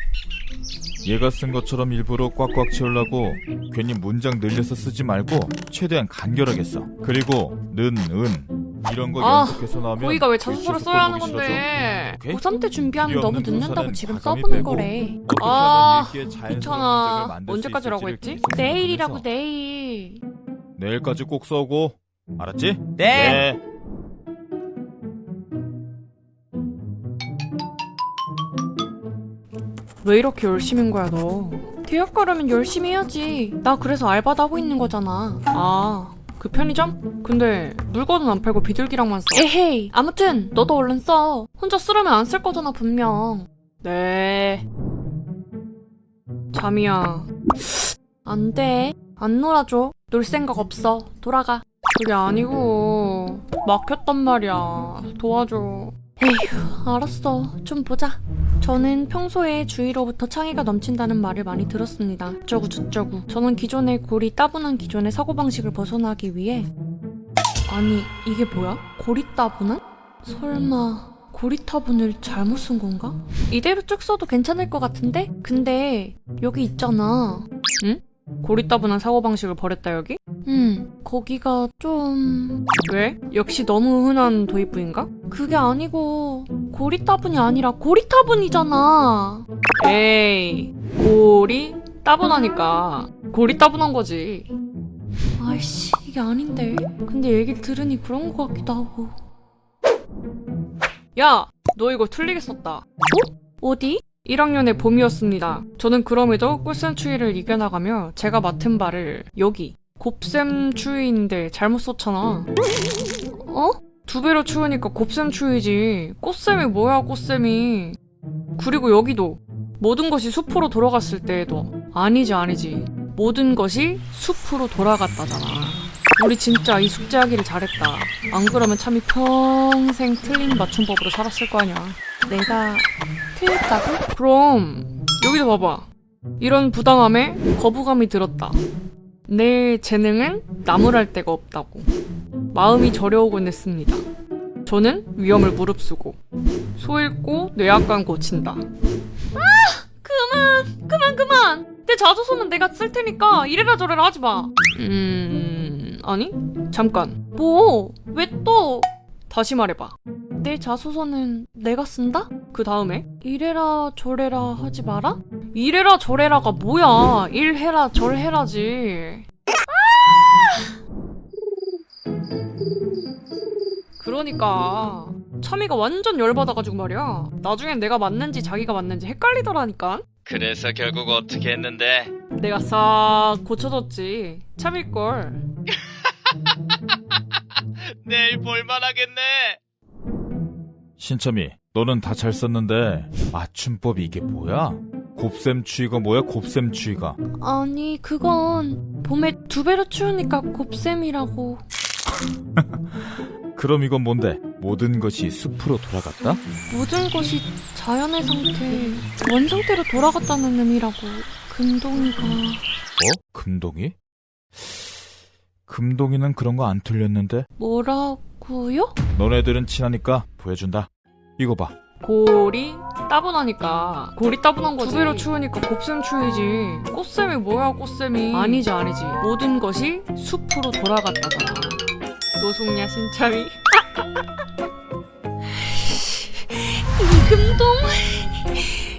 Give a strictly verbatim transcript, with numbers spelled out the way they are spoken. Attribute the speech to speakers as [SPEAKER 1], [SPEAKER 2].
[SPEAKER 1] 얘가 쓴 것처럼 일부러 꽉꽉 채우려고 괜히 문장 늘려서 쓰지 말고 최대한 간결하게 써. 그리고 는, 은 이런 거
[SPEAKER 2] 아,
[SPEAKER 1] 연속해서 나오면
[SPEAKER 2] 고의가 왜 자소서를
[SPEAKER 1] 유치해서
[SPEAKER 2] 써야 하는
[SPEAKER 1] 꼴보기
[SPEAKER 2] 건데?
[SPEAKER 1] 오케이?
[SPEAKER 2] 고삼 때 준비하면
[SPEAKER 1] 필요
[SPEAKER 2] 너무
[SPEAKER 1] 없는
[SPEAKER 2] 늦는다고
[SPEAKER 1] 분사는
[SPEAKER 2] 지금
[SPEAKER 1] 과감히
[SPEAKER 2] 써보는
[SPEAKER 1] 빼고
[SPEAKER 2] 거래.
[SPEAKER 1] 어떻게
[SPEAKER 2] 아,
[SPEAKER 1] 하면 읽기에 자연스러운
[SPEAKER 2] 귀찮아.
[SPEAKER 1] 문장을 만들 수
[SPEAKER 2] 언제까지라고
[SPEAKER 1] 있을지를
[SPEAKER 2] 했지?
[SPEAKER 1] 계속
[SPEAKER 2] 내일이라고
[SPEAKER 1] 생각하면서
[SPEAKER 2] 내일.
[SPEAKER 1] 내일까지 꼭 써오고. 알았지?
[SPEAKER 3] 네.
[SPEAKER 2] 왜 이렇게 열심인 거야 너? 대학 가려면 열심히 해야지. 나 그래서 알바도 하고 있는 거잖아. 아, 그 편의점? 근데 물건은 안 팔고 비둘기랑만 써. 에헤이. 아무튼 너도 얼른 써. 혼자 쓰려면 안 쓸 거잖아 분명. 네. 잠이야. 안 돼. 안 놀아줘. 놀 생각 없어. 돌아가. 그게 아니고 막혔단 말이야. 도와줘. 에휴, 알았어. 좀 보자. 저는 평소에 주위로부터 창의가 넘친다는 말을 많이 들었습니다. 어쩌고 저쩌고. 저는 기존의 고리 따분한 기존의 사고방식을 벗어나기 위해 아니, 이게 뭐야? 고리 따분한? 설마 고리 따분을 잘못 쓴 건가? 이대로 쭉 써도 괜찮을 것 같은데? 근데 여기 있잖아. 응? 고리 따분한 사고방식을 버렸다 여기? 음, 거기가 좀... 왜? 역시 너무 흔한 도입부인가? 그게 아니고 고리 따분이 아니라 고리 따분이잖아. 에이, 고리 따분하니까 고리 따분한 거지. 아이씨, 이게 아닌데. 근데 얘기를 들으니 그런 거 같기도 하고. 야, 너 이거 틀리게 썼다. 어? 어디? 일 학년의 봄이었습니다. 저는 그럼에도 꿀샘 추위를 이겨나가며 제가 맡은 바를 여기 곱샘 추위인데 잘못 썼잖아. 어? 두 배로 추우니까 곱샘 추위지. 꽃샘이 뭐야 꽃샘이. 그리고 여기도 모든 것이 숲으로 돌아갔을 때에도 아니지 아니지. 모든 것이 숲으로 돌아갔다잖아. 우리 진짜 이 숙제하기를 잘했다. 안 그러면 참이 평생 틀린 맞춤법으로 살았을 거 아니야. 내가 틀렸다고? 그럼 여기도 봐봐. 이런 부당함에 거부감이 들었다. 내 재능은 나무랄 데가 없다고. 마음이 저려오곤 했습니다. 저는 위험을 무릅쓰고 소 잃고 뇌약관 고친다. 아! 그만! 그만 그만! 내 자소서는 내가 쓸 테니까 이래라 저래라 하지 마. 음... 아니? 잠깐. 뭐? 왜 또? 다시 말해봐. 내 자소서는 내가 쓴다? 그 다음에 이래라 저래라 하지 마라? 이래라 저래라가 뭐야? 일해라 절해라지. 아! 그러니까 참이가 완전 열받아가지고 말이야. 나중엔 내가 맞는지 자기가 맞는지 헷갈리더라니까.
[SPEAKER 3] 그래서 결국 어떻게 했는데?
[SPEAKER 2] 내가 싹 고쳐줬지. 참일걸.
[SPEAKER 3] 내일 볼만하겠네.
[SPEAKER 1] 신참이, 너는 다 잘 썼는데 맞춤법이 이게 뭐야? 곱셈 추위가 뭐야? 곱셈 추위가.
[SPEAKER 2] 아니 그건 봄에 두 배로 추우니까 곱셈이라고.
[SPEAKER 1] 그럼 이건 뭔데? 모든 것이 숲으로 돌아갔다?
[SPEAKER 2] 모든 것이 자연의 상태, 원상태로 돌아갔다는 의미라고. 금동이가...
[SPEAKER 1] 뭐? 금동이? 금동이는 그런 거 안 틀렸는데?
[SPEAKER 2] 뭐라고요?
[SPEAKER 1] 너네들은 친하니까 보여준다. 이거 봐.
[SPEAKER 2] 고리 따분하니까 고리 따분한 거지. 두 배로 추우니까 곱셈 추위지. 꽃샘이 뭐야 꽃샘이. 아니지 아니지. 모든 것이 숲으로 돌아갔다잖아. 노숙냐 신참이. 이금동